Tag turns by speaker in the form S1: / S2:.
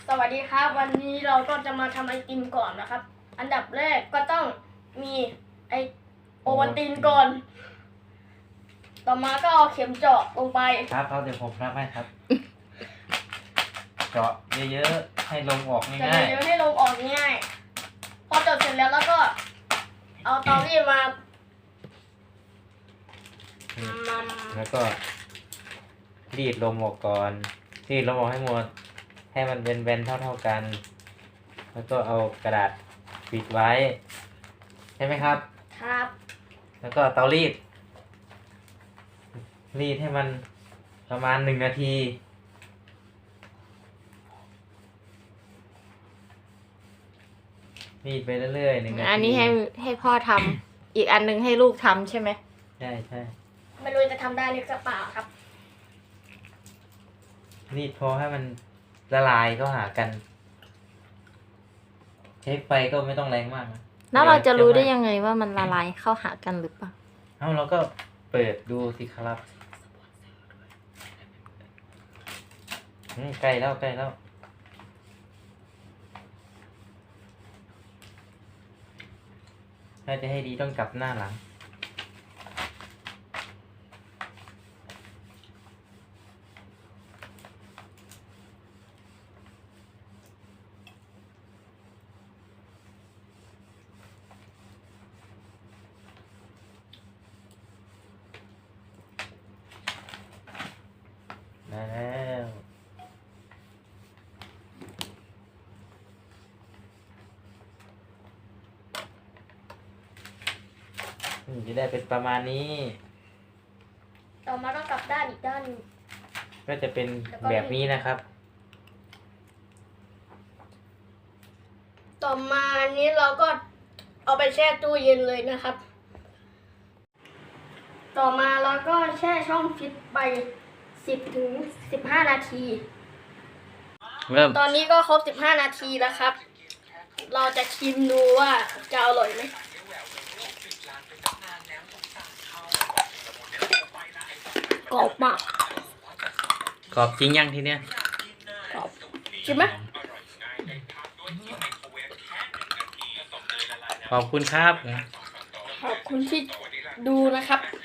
S1: สวัสดีครับวันนี้เราก็จะมาทำไอติมก่อนนะครับ อันดับแรกก็ต้องมีโอวัลตินก่อนต่อมาก็เอาเข็มเจาะลงไป
S2: ครับเดี๋ยวผมรับให้ครับ เจาะเยอะๆให้ลมออกง่าย
S1: เดี๋ยวให้ลมออกง่ายพอเจาะเสร็จแล้วก็เอาเตารีดมา
S2: ๆแล้วก็รีดลมออกก่อนรีดลมออกให้หมดให้มันเป็นแบนๆเท่ากัน แล้วก็เอากระดาษปิดไว้ใช่ไหมครับ
S1: ครับ
S2: แล้วก็เตารีดให้มันประมาณ1 นาทีรีดไปเรื่อยๆ1 นาที
S3: อันนี้ให้พ่อทำ อีกอันนึงให้ลูกทำใช่ไหม
S2: ใช่
S1: ไม่รู้จะทำได้หรือเปล่าครับ
S2: รีดพอให้มันละลายเข้าหากันใช้ไฟก็ไม่ต้องแรงมากนะ
S3: แล้วเราจะรู้ได้ยังไงว่ามันละลายเข้าหากันหรือเปล่า
S2: เราก็เปิดดูสิครับใกล้แล้วถ้าจะให้ดีต้องกลับหน้าหลังได้แล้วจะได้เป็นประมาณนี้
S1: ต่อมาก็กลับด้านอีกด้าน
S2: ก็จะเป็นแบบนี้นะครับ
S1: ต่อมานี้เราก็เอาไปแช่ตู้เย็นเลยนะครับต่อมาเราก็แช่ช่องฟิตไป10 ถึง 15 นาทีตอนนี้ก็ครบ15 นาทีแล้วครับเราจะชิมดูว่าจะอร่อยไหมกรอบมาก
S2: กรอบจริงยังทีเนี้ย
S1: กรอบชิมไหม
S2: ขอบคุณครับ
S1: ขอบคุณที่ดูนะครับ